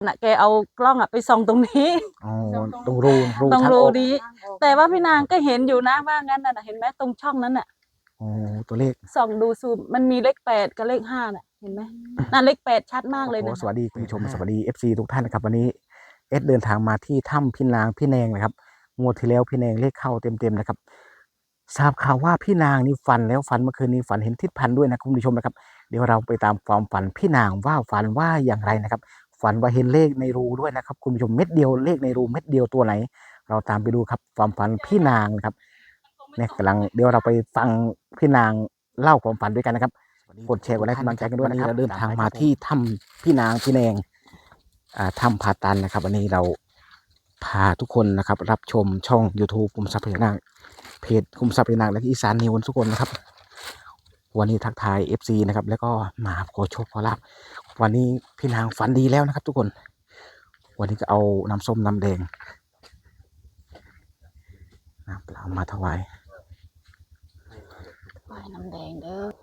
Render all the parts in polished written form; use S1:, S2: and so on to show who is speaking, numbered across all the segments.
S1: น่ะแกเอากล้องไปส่องตรงนี้
S2: ตรงรู
S1: ตรง
S2: ทาง
S1: รู
S2: ออก
S1: นี้แต่ว่าพี่นางก็เห็นอยู่นะว่างั้นน่ะเห็นไหมตรงช่องนั้นน่ะ
S2: ตัวเลข
S1: ส่องดูซูมมันมีเลข8กับเลข5น่ะเห็นไหมนั่นเลข8ชัดมากเลยนะ
S2: สวัสดีคุณผู้ชมสวัสดี FC ทุกท่านนะครับวันนี้เดินทางมาที่ถ้ำพี่นางพี่แนงนะครับงวดที่แล้วพี่แนงเลขเข้าเต็มนะครับทราบข่าวว่าพี่นางนี่ฝันแล้วฝันเมื่อคืนนี้ฝันเห็นทิศพันธ์ด้วยนะคุณผู้ชมนะครับเดี๋ยวเราไปตามความฝันพี่นางว่าฝันว่าอย่างไรนะครับฝันว่าเห็นเลขในรูด้วยนะครับคุณผู้ชมเม็ดเดียวเลขในรูเม็ดเดียวตัวไหนเราตามไปดูครับความฝันพี่นางนะครับเนี่ยกำลังเดี๋ยวเราไปฟังพี่นางเล่าความฝันด้วยกันนะครับกดแชร์กดไลค์กำลังใจกันด้วยนะครับเราเดินทางมาที่ถ้ำพี่นางพี่แนงถ้ำผาตันนะครับวันนี้เราพาทุกคนนะครับรับชมช่อง YouTube คุมทรัพย์พญานาคเพจคุมทรัพย์พญานาคและอีสานนิวทุกคนนะครับวันนี้ทักทาย FC นะครับแล้วก็มาขอโชคขอลาภวันนี้พี่นางฝันดีแล้วนะครับทุกคนวันนี้ก็เอาน้ำส้มน้ำแดงน้ำเปล่ามาถวาย
S1: น้ำแดงเด้อ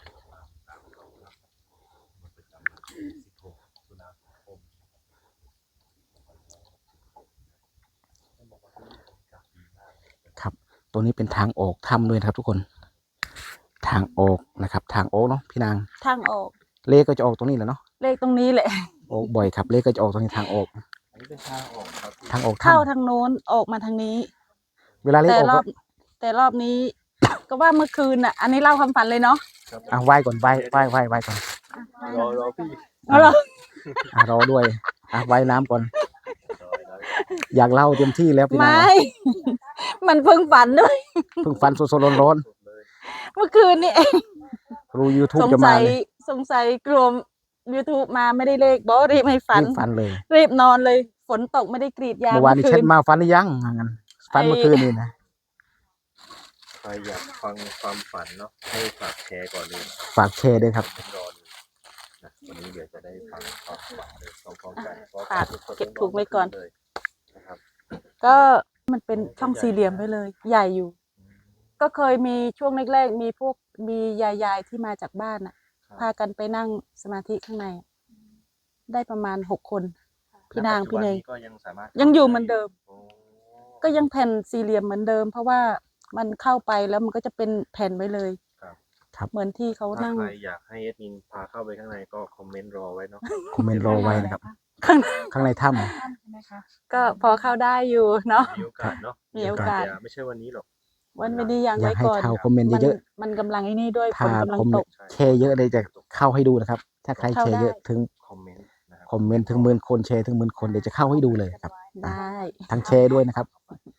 S2: ครับตัวนี้เป็นทางออกถ้ำด้วยนะครับทุกคนทางออกนะครับทางออกเนาะพี่นาง
S1: ทางออก
S2: เลขก็จะออกตรงนี้แหละเนาะ
S1: เลขตรงนี้แหละ
S2: ออกบ่อยครับเลขก็จะออกตรงนี้ทางออก
S3: อันนี้เป็นทางออกครับ
S2: ทางออก
S1: เข้าทางโน้นออกมาทางนี้
S2: เวลาเลขออก
S1: แต่รอบนี้ ก็ว่าเมื่อคืนน่ะอันนี้เล่าความฝันเลยเนาะ
S2: ไหว้ก่อนไหว้ก่อน
S3: รอพี่
S2: รอด้วยไหว้น้ำก่อนอยากเล่าเต็มที่แล้วพี่นาง
S1: ไม่ มันเพิ่งฝันด้วย
S2: เพิ่งฝันสดๆร้อน
S1: เมื่อคืนนี่เอง
S2: ๆรู้ YouTube จะมาเลย
S1: สงสัยกลัว YouTube มาไม่ได้เลขบอรีบให้ฝัน
S2: เลย
S1: รีบนอนเลยฝนตกไม่ได้กรีดยาง
S2: เมื่อวานนี้เช็ดมาฝันหรือยังงั้นฝันเมื่อคืนนี่นะ
S3: ใครอยากฟังความฝันเนาะให้ฝากแชร์ก่อนเลย
S2: ฝากแชร์ด้วยครับ
S3: รอดูนะวันนี้เดี๋ยวจะได้ฟังความฝันเลยพร้อมๆกัน
S1: ฝากเก็บถูกไว้ก่อน
S3: เลยนะครับ
S1: ก็มันเป็นช่องสี่เหลี่ยมไปเลยใหญ่อยู่ก็เคยมีช่วงแรกๆมียายที่มาจากบ้านน่ะพากันไปนั่งสมาธิข้างในได้ประมาณ6 คนพี่นางพี่เนยยังอยู่เหมือนเดิมก็ยังแผ่นสี่เหลี่ยมเหมือนเดิมเพราะว่ามันเข้าไปแล้วมันก็จะเป็นแผ่นไว้เลย
S2: ครับ
S1: เหมือนที่เขานั่ง
S3: ใครอยากให้เอดมินพาเข้าไปข้างในก็คอมเมนต์รอไว้เนาะ
S2: คอมเมนต์รอไว้นะครับข้างในถ้ำ
S1: ก็พอเข้าได้อยู่เนาะ
S3: มีโอกาสเนาะ
S1: มีโอกาส
S3: ไม่ใช่วันนี้หรอก
S1: วันไม่ดีอย่าง
S2: อยากให้เข้าคอมเมนต์เยอะ
S1: ๆมันกำลังไอ้นี่ด้วยฝนกำลังตก
S2: แชร์เยอะเลยจะเข้าให้ดูนะครับถ้าใครแชร์เยอะถึง
S3: คอมเมนต์
S2: ถึง10,000 คนแชร์ถึง10,000 คนเดี๋ยวจะเข้าให้ดูเลยครับ
S1: ได้
S2: ทั้งแชร์ด้วยนะครับ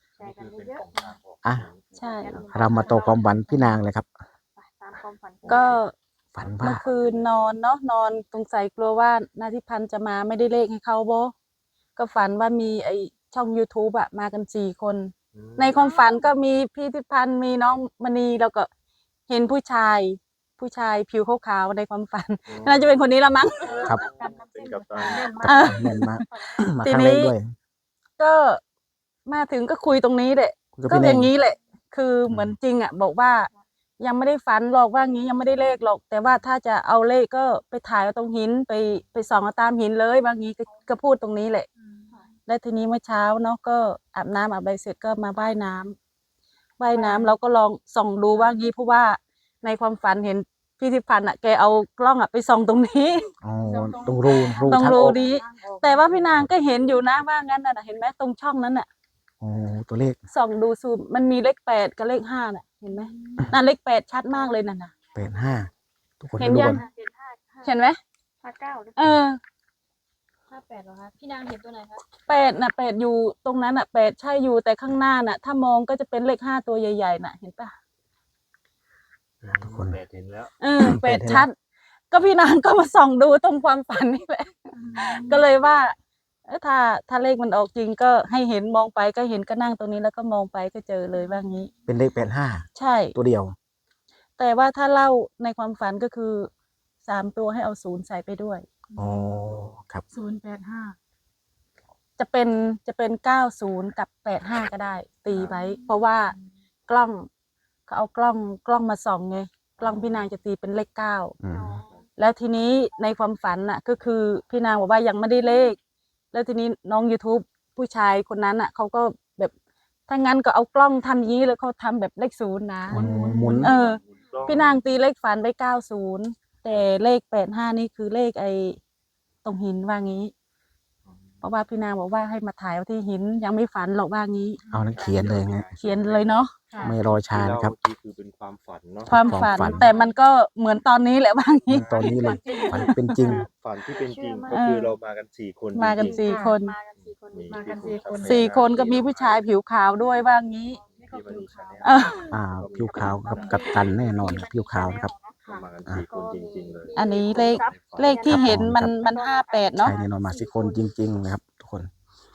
S1: ใช่
S2: เรามาต่อความฝันพี่นางเลยครับ
S1: ก็
S2: ฝันว่า
S1: เมื่อคืนนอนเนาะนอนสงสัยกลัวว่านาทิพันธ์จะมาไม่ได้เลขให้เขาโบก็ฝันว่ามีไอช่อง YouTube มากัน4 คนในความฝันก็มีพี่ทิพันธ์มีน้องมณีแล้วก็เห็นผู้ชายผิวขาวๆในความฝันน่าจะเป็นคนนี้ละมั้ง
S2: ครับ
S3: เป็นกับตา
S2: แน่นมากมา
S1: ที
S2: ครั้งแรกด้วย
S1: ก็มาถึงก็คุยตรงนี้แหละก็อย่างนี้แหละคือเหมือนจริงบอกว่ายังไม่ได้ฝันหรอกว่างี้ยังไม่ได้เลขหรอกแต่ว่าถ้าจะเอาเลขก็ไปถ่ายเอาตรงหินไปส่องเอาตามหินเลยบางงี้ก็พูดตรงนี้แหละและทีนี้เมื่อเช้าเนาะก็อาบน้ำอาบใบเสร็จก็มาว่ายน้ำเราก็ลองส่องดูว่างี้เพราะว่าในความฝันเห็นพี่ทิพันธ์แกเอากล้องไปส่องตรงนี้
S2: ตรงรู
S1: นี้แต่ว่าพี่นางก็เห็นอยู่นะว่างั้นน่ะเห็นไหมตรงช่องนั้น
S2: ตัวเลข
S1: ส่องดูซูมมันมีเลข8กับเลข5น่ะเห็นไหมนั่นเลข8ชัดมากเลยน่ะ
S2: 85ทุกคน
S1: เห็นยังเห็นไหม
S4: 58เหรอคะพี่นางเห็นตัวไหนคะ
S1: 8อยู่ตรงนั้น8ใช่อยู่แต่ข้างหน้าน่ะถ้ามองก็จะเป็นเลข5ตัวใหญ่ๆน่ะเห็นป่ะ
S2: ทุกคน
S3: เห็นแล้ว
S1: 8ชัดก็พี่นางก็มาส่องดูตรงความฝันนี่แหละก็เลยว่าถ้าเลขมันออกจริงก็ให้เห็นมองไปก็เห็นก็นั่งตรงนี้แล้วก็มองไปก็เจอเลยว่างี้
S2: เป็นเลข85
S1: ใช่
S2: ตัวเดียว
S1: แต่ว่าถ้าเล่าในความฝันก็คือ3 ตัวให้เอา0ใส่ไปด้วย
S2: ครับ
S1: 085จะเป็น90กับ85ก็ได้ตีไว้เพราะว่ากล้องเขาเอากล้องมาส่องไงกล้องพี่นางจะตีเป็นเลข9แล้วทีนี้ในความฝันก็คือพี่นางบอกว่ายังไม่ได้เลขแล้วทีนี้น้อง YouTube ผู้ชายคนนั้นอ่ะเขาก็แบบถ้างั้นก็เอากล้องทำอย่างนี้แล้วเขาทำแบบเลขศูนย์นะ
S2: หมุน
S1: เออ
S3: หมุนกล้อง
S1: พี่นางตีเลขฝันไป90แต่เลข85นี่คือเลขไอ้ตรงหินว่างี้ เพราะว่าพี่นางบอกว่าให้มาถ่ายเอาที่หินยังไม่ฝันหรอกว่างี้
S2: เอานั้นเขียนเลยไง
S1: เขียนเลยเนาะ
S2: ไม่รอช้า
S3: ที่เล่า
S2: นะครับ
S3: เมื่อกี้คือเป็นความฝันเนาะ
S1: ความฝัน
S2: ความฝัน
S1: แต่มันก็เหมือนตอนนี้แหละว่างี้
S2: ตอนนี้เลยฝันเป็นจริง
S3: ฝันที่เป็นจริง
S1: เชื่อมาก
S3: ก็คือเรามากัน4 คน
S1: มากัน
S3: จริง
S1: สี่คน
S4: มากันสี่คน
S3: มี
S4: มากัน
S3: พี่
S4: สี่คน
S3: ภูมิ
S1: 4 คนก็มีผู้ชายผิวขาวด้วยว่างี้
S4: นี่ก็ผิวขาว
S1: เออ
S2: ผิวขาวกับกัปตันแน่นอนครับผิวขาวนะครับ
S3: ก็มากัน4 คนจริงๆเลย
S1: อันนี้เลขที่เห็นมัน58เนาะ
S2: ใช่แน่นอนมาสิคนจริง ๆ นะครับ ทุกคน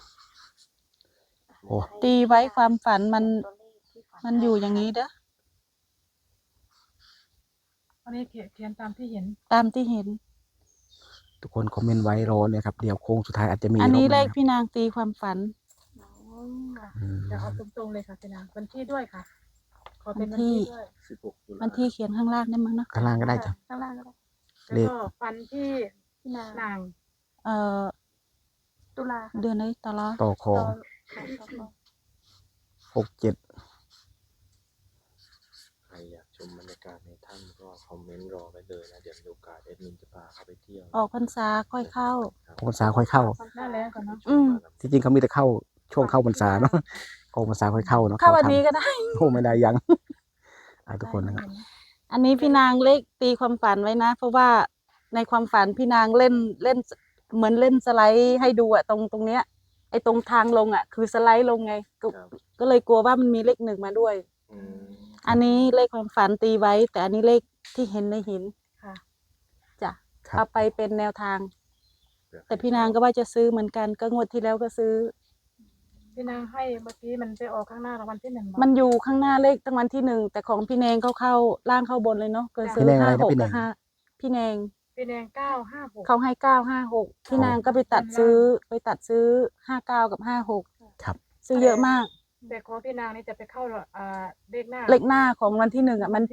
S2: โอ้
S1: ตีไว้ความฝันมันอยู่อย่างนี้เด้อ
S5: อันนี้เขียนตามที่เห็น
S1: ตามที่เห็น
S2: ทุกคนคอมเมนต์ไว้รอเลยครับเดี๋ยวโค้งสุดท้ายอาจจะมี
S1: อันนี้
S2: รบห
S1: เล
S2: ง
S1: ข
S2: ครับ
S1: พี่นางตีความฝัน
S2: อืม
S5: จะเอาตรงๆเลยค่ะพี่นางวันที่ด้วยค่ะ ขอเป็น
S1: วั
S5: วัน น
S1: ที่
S5: ที่ด้วย
S3: 16 ตุลา
S1: วันที่เขียนข้างล่างได้มั้งเนาะ
S2: ข้างล่างก็ได้จ้ะ
S4: ข้างล่างก็ได้
S2: เล
S5: แล้ว
S2: ข
S5: ก็ฟันที่
S4: พี่นาง
S5: นาง
S1: เอ่อ
S4: ตุลา
S1: เดือนไหนตลอด
S2: ต่อคอ
S4: ต่อ
S2: 67
S3: ใครอยากชมบรรยากาศในถ้ำก็คอมเมนต์รอไว้เลยนะ เดี๋ยวมีโอกาสแอดมินจะพาเข้าไปเที่ยว
S1: ออกพรรษาค่อยเข้า
S2: พรรษาค่อยเข้า
S5: หน้าแรงก่อนเนาะ
S1: อืม
S2: ที่จริงเขามีแต่เข้าช่วงเข้าพรรษาเนาะก็พรรษาค่อยเข้าเนาะ
S1: เข้าวัน
S2: ทำ
S1: นี้ก็ได้
S2: โอ้ไม่ได้ยัง ทุกคนนะครับ
S1: อันนี้พี่นางเลขตีความฝันไว้นะ เพราะว่าในความฝันพี่นางเล่นเหมือนเล่นสไลด์ให้ดูอะตรงเนี้ยไอ้ตรงทางลงอะคือสไลด์ลงไงก็เลยกลัวว่ามันมีเลข1มาด้วย
S3: อืม
S1: อันนี้เลขความฝันตีไว้ แต่อันนี้เลขที่เห็นในหิน
S5: ค่ะ
S1: จ้ะ
S2: ครับ
S1: เอาไปเป็นแนวทาง แต่พี่นางก็ว่าจะซื้อเหมือนกันก็งวดที่แล้วก็ซื้อ
S5: พี่นางให้เมื่อกี้มันไปออกข้างหน้ารางวัลที่ 1
S1: มันอยู่ข้างหน้าเลขตั้งวันที่1แต่ของพี่แนงเข้าล่างเข้าบนเลยเนาะก็ซื้อ
S2: พี่แนงอะไรนะ
S1: 56
S2: พี่แน
S1: กับ
S2: ง
S1: 5พี่แนง
S5: พี่แดง956
S1: เขาให้956พี่นางก็ไปตัดซื้อ59กับ56
S2: ครับ
S1: ซื้อเยอะมาก
S5: แต่ของพี่นางนี่จะไปเข้าเลขหน้า
S1: เลขหน้าของวันที่1อ่ะมัน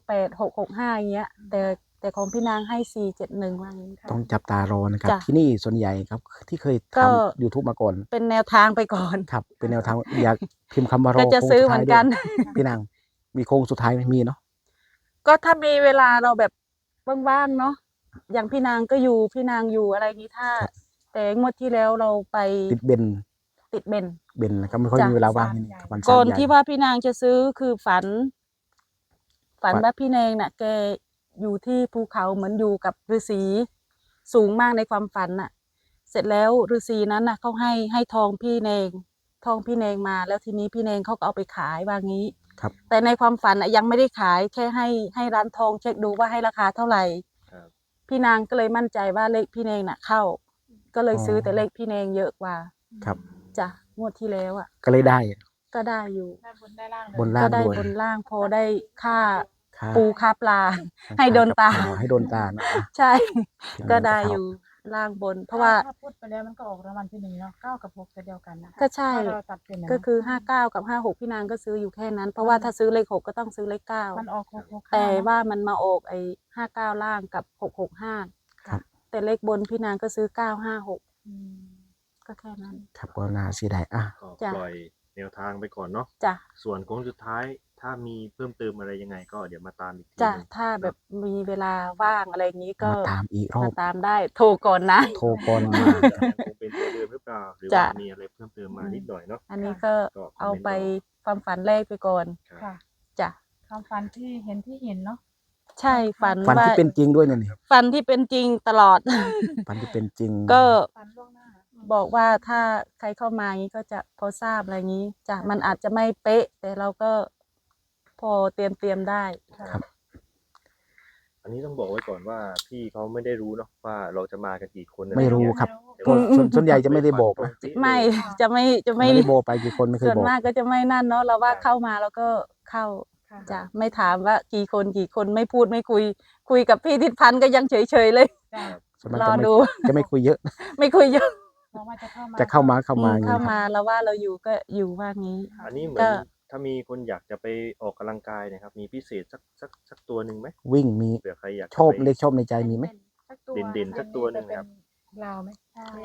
S1: 718665อย่างเงี้ยแต่ของพี่นางให้471ว่างี้
S2: ต้องจับตารอนะครับ
S1: จ้ะ
S2: ที่นี่ส่วนใหญ่ครับ ที่เคย
S1: ก็
S2: ทำ YouTube มาก่อน
S1: เป็นแนวทางไปก่อน
S2: ครับ เป็นแนวทางอยากพิมพ์คำว่ารอ
S1: ก็จะ
S2: โค้ง
S1: ซื้อ
S2: สุด
S1: เหมื
S2: ท้า
S1: อย นกัน
S2: ด้วยพี่นางมีโค้งสุดท้ายไหมมีเนาะ
S1: ก็ถ้ามีเวลาเราแบบว่างๆเนาะอย่างพี่นางก็อยู่พี่นางอยู่อะไรอย่างนี้ถ้า แต่งวดที่แล้วเราไป
S2: ติดเบน
S1: ติดเบน
S2: เบนนะครับไม่ค่อย
S1: จ้ะ
S2: มีเวลาว่างนี่วัน
S1: ก่อน
S2: ใหญ่
S1: ที่ว่าพี่นางจะซื้อคือฝัน
S2: ฝัน
S1: ว่าพี่แนงน่ะ แกอยู่ที่ภูเขาเหมือนอยู่กับฤาษีสูงมากในความฝันน่ะ เสร็จแล้วฤาษีนั้นน่ะเขาให้ทองพี่แนงมาแล้วทีนี้พี่แนงเขาก็เอาไปขายว่างี้
S2: ครับ
S1: แต่ในความฝันน่ะยังไม่ได้ขายแค่ให้ร้านทองเช็คดูว่าให้ราคาเท่าไหร่
S3: ครับ
S1: พี่นางก็เลยมั่นใจว่าเลขพี่แนงน่ะเข้า ก็เลยซื้อแต่เลขพี่แนงเยอะกว่า
S2: ครับ
S1: จ้ะงวดที่แล้วอ่ะ
S2: ก็เลยได้
S1: ก็ได้อยู่
S5: ได้บนได้ล่างเลย
S2: บนล่า
S1: ก็
S2: ง
S1: ได้
S2: ด้วย
S1: บนล่างพอได้ค่า
S2: ค่า
S1: ปูค่าปลา ให้โดนตา
S2: ให้โดนตานะ
S1: ใช่
S2: พี่นาง
S1: ก็ได้
S2: เข้า
S1: อยู่ล่างบน เพราะว่า
S5: ถ้าพูดไปแล้วมันก็ออกรางวัลที่ 1เนาะ9กับ6จะเดียวกันนะ
S1: ก็ใช่
S5: ถ้าเราตัดเป็นนะ
S1: ก็คือ59กับ56พี่นางก็ซื้ออยู่แค่นั้น เพราะว่าถ้าซื้อเลข6ก็ต้องซื้อเลข
S5: มันออก665
S1: 9แต่ว่ามันมาออกไอ้59ล่างกับ665
S2: ครับ
S1: แต่เลขบนพี่นางก็ซื้อ956
S5: อืม
S1: ก็แค่นั้น
S2: ครับก็น่าเสียดายอ่ะ
S3: ก็
S1: จ้ะ
S3: ปล่อยแนวทางไปก่อนเนาะ
S1: จ้ะ
S3: ส่วนโค้งสุดท้ายถ้ามีเพิ่มเติมอะไรยังไงก็เดี๋ยวมาตามอีกที
S1: จ้ะ
S3: หนึ่ง
S1: ถ้าแบบมีเวลาว่างอะไรอย่างนี้ก็
S2: มาตามอีกรอ
S1: มา
S2: บ
S1: ตามได้โทรก่อนนะ
S2: โทรก่อนมา
S3: ยังคงเป็นตัวเดิมหรือเปล่าหรือ
S1: จ้ะ
S3: ว่ามีอะไรเพิ่มเติมมานิดหน่อยเนาะ
S1: อันนี้ก็
S3: ก็คอมเมนต์
S1: เอาไปความฝันแรกไปก่อน
S3: ครับ
S5: ค่ะ
S1: จ้ะ
S5: ความฝันที่เห็นเนาะ
S1: ใช่ฝัน
S2: ฝัน
S1: ว่า
S2: ที่เป็นจริงด้วยเนี่ยนี่
S1: ฝันที่เป็นจริงตลอด
S2: ฝันที่เป็นจริง
S1: ก็
S5: ฝันล่วงหน้า
S1: บอกว่าถ้าใครเข้ามาอย่างนี้ก็จะพอทราบอะไรอย่างนี้จ้ะมันอาจจะไม่เป๊ะ แต่เราก็พอเตรียมได้
S2: ครับ
S3: อันนี้ต้องบอกไว้ก่อนว่าพี่เขาไม่ได้รู้เนาะว่าเราจะมากันกี่คนอะ
S2: ไม่รู้
S3: อะ
S2: ครับ
S3: แต่
S2: ก็
S3: ว่า
S2: ส่วนใหญ่จะไม่ได้บอกนะ
S1: ไม่ จะไม่
S2: ไม่ได้บอกไปกี่คนไม่เคย
S1: ส่วน
S2: บอก
S1: มากก็จะไม่นั่นเนาะเราว่าเข้ามาแล้วก็เข้า
S5: ค่ะ
S1: จ้ะไม่ถามว่ากี่คนไม่พูดไม่คุยกับพี่ทิศพันธ์ก็ยังเฉยๆเลย
S5: จ้ะ
S2: ส่วนมาก
S1: รอ
S2: จะไม่
S1: ดู
S2: จะไม่คุยเยอะ
S1: ไม่คุยเยอะ
S5: เพราะว่าจะเข้ามา
S2: จะเข้ามาอย่าง
S1: เข้า
S2: นี้
S1: มาแล้วว่าเราอยู่ก็อยู่ว่างี้
S3: อันนี้เหมือ
S1: ก็
S3: นถ้ามีคนอยากจะไปออกกำลังกายเนะครับ มีพิเศษสักตัวหนึ่งไหม
S2: วิ่งมี
S3: เผื่อใครอยากจะ
S2: ชอบ
S3: ไป
S2: เลขชอบในใจมีไหม
S5: สักตัว
S3: เด่นๆสักตัวหนึ่งครับ
S5: ลาวไหมมีไหม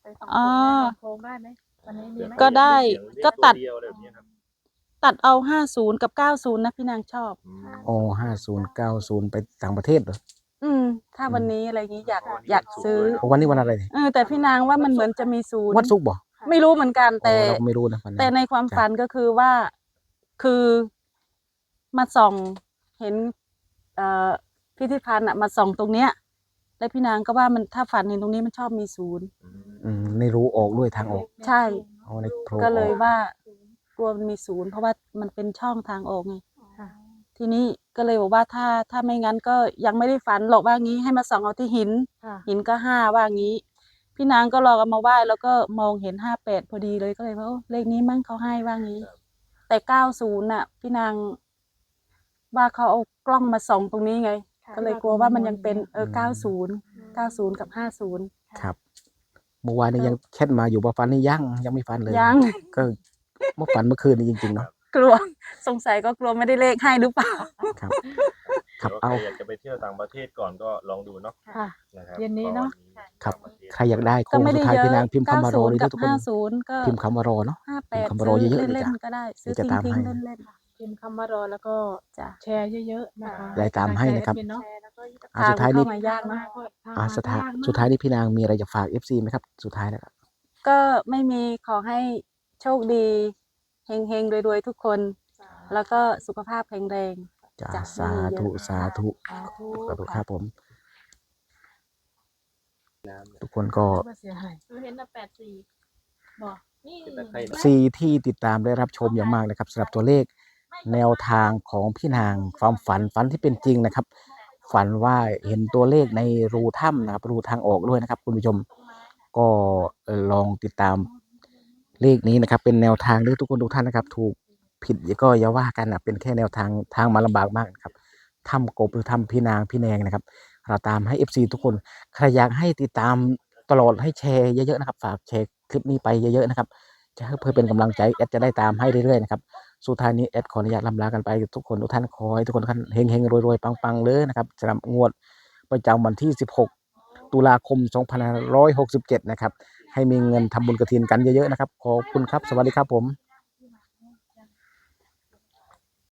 S4: ไปสอง
S1: อ๋อ
S5: โค้งได้ไหมวันนี้มีไหม
S1: ก็ได้ ก็ตัด
S3: เดียวอะไรแบบนี้ครับ
S1: ตัดเอา50กับ90นะพี่นางชอบ
S2: โอ้50 90ไปต่างประเทศเหรอ
S1: ถ้าวันนี้อะไรอย่างนี้อยาก
S3: วันนี้
S1: อยาก
S3: วันศุกร์
S1: ซื้อ
S3: ด้วย
S2: โอ้วันนี้วันอะไรเนี่ย
S1: แต่พี่นางว่ามันเหมือนจะมีศูนย์
S2: วันศุกร์บ่
S1: ไม่รู้เหมือนกัน
S2: โอ้
S1: แต่
S2: เราก็ไม่รู้นะวันนั้น
S1: แต่ในความฝันก็คือว่า คือมาส่องเห็นพิพิธภัณฑ์อะมาส่องตรงเนี้ย แล้วพี่นางก็ว่ามันถ้าฝันเห็นตรงนี้มันชอบมีศูนย์
S2: ไม่รู้ออกด้วยทางออก
S1: ใช่
S2: เอาในโพรง
S1: ก็เลย
S2: ออก
S1: ว่ากลัวมันมีศูนย์เพราะว่ามันเป็นช่องทางออกไง
S5: ค่ะ
S1: ทีนี้ก็เลยบอกว่าถ้าไม่งั้นก็ยังไม่ได้ฝันหรอกว่างี้ให้มาส่องเอาที่หิน
S5: ค่ะ
S1: หินก็5ว่างี้ พี่นางก็ลองเอามาไหว้แล้วก็มองเห็น58พอดีเลยก็เลยว่าโอ้เลขนี้มั้งเขาให้ว่างี้ แต่90น่ะ พี่นางว่าเขาเอากล้องมาส่องตรงนี้ไง ก็เลยกลัวว่ามันยังเป็น90กับ50
S2: ครับเมื่อวานนี้ยังแชทมาอยู่ว่าฟันนี่ยังไม่ฟันเลย
S1: ยัง
S2: ก็เมื่อฝันเมื่อคืนนี้จริงๆเนาะ
S1: กลัวสงสัยก็กลัวไม่ได้เลขให้หรือเปล่า
S2: ครับ ค
S3: ค
S2: รั
S3: รั
S2: บบ เอา
S3: ใครอยากจะไปเที่ยวต่างประเทศก่อนก็ลองดูเนาะ
S5: ค่ะ
S3: นะครับ
S5: เย็นนี้เนอะ
S2: ครับ
S3: ต่างปะเทศ
S2: ใครอยากได้โค้
S1: ก็
S2: ง
S1: ไม่
S2: สุ
S1: ได้
S2: ดท้าย
S1: เยอะ
S2: พี่นางพิมพ์คำว่ารอเลย
S1: 90 กั
S2: นะ
S1: บ
S2: ทุกคน
S1: 50ก็
S2: พิมพ์คำว่ารอเนาะ พิมพ์
S1: 58
S2: คำว่าร
S1: ซื้
S2: อ
S1: อ
S2: เยอะๆ
S1: เล่น
S2: จ้ะ
S1: ๆก็ได้ ซื้อ
S2: เดี๋ยวจะตาม
S1: ทิ้ง
S2: ให้
S1: ๆเล่น
S5: พิมพ์คำว่ารอแล้วก็
S1: ๆจ้ะ
S5: แชร์เยอะๆนะคะ
S2: ได้ตามให้นะครับ
S5: แชแอดมิเนาะ
S2: อ่ะสุดท้ายนี้
S1: เข้ามายากมาก
S2: สุดท้ายนี้พี่นางมีอะไรจะฝาก FC ไหมครับ สุดท้ายแล้วครับ
S1: ก็ไม่มีขอให้โชคดีเฮงๆรวยๆทุกคน แล้วก็สุขภาพแข็งแรง
S2: จ้า
S1: จ้ะ
S2: สาธุสาธุ
S5: สาธุ
S2: สาธุครับผม
S3: น้ำเนี่ย
S2: ทุกคนก็
S5: ว่าเสียหาย
S4: เห็นแต่84บอกนี่
S3: เป็นตะไคร้นะ
S2: ซีที่ติดตามได้รับชมอย่างมากนะครับสำหรับตัวเลขแนวทางของพี่นางความฝันที่เป็นจริงนะครับ ฝันว่าเห็นตัวเลขในรูถ้ำนะครับรูทางออกด้วยนะครับ คุณผู้ชมก็ลองติดตามเลขนี้นะครับ เป็นแนวทางด้วยทุกคนทุกท่านนะครับ ถูกผิดก็อย่าว่ากันนะเป็นแค่แนวทางมาลำบากมากนะครับถ้ำกบหรือถ้ำพี่นางพี่แนงนะครับ เราตามให้ FC ทุกคนใครอยากให้ติดตามตลอดให้แชร์เยอะๆนะครับฝากแชร์คลิปนี้ไปเยอะๆนะครับจะเพื่อเป็นกำลังใจแอดจะได้ตามให้เรื่อยๆนะครับสุดท้ายนี้แอดขออนุญาตลำลากันไปทุกคนทุกท่านขอให้ทุกคนเฮงๆรวยๆปังๆเลยนะครับสำหรับงวดประจำวันที่ 16 ตุลาคม 2567 นะครับให้มีเงินทำบุญกฐินกันเยอะๆนะครับขอบคุณครับสวัสดีครับผม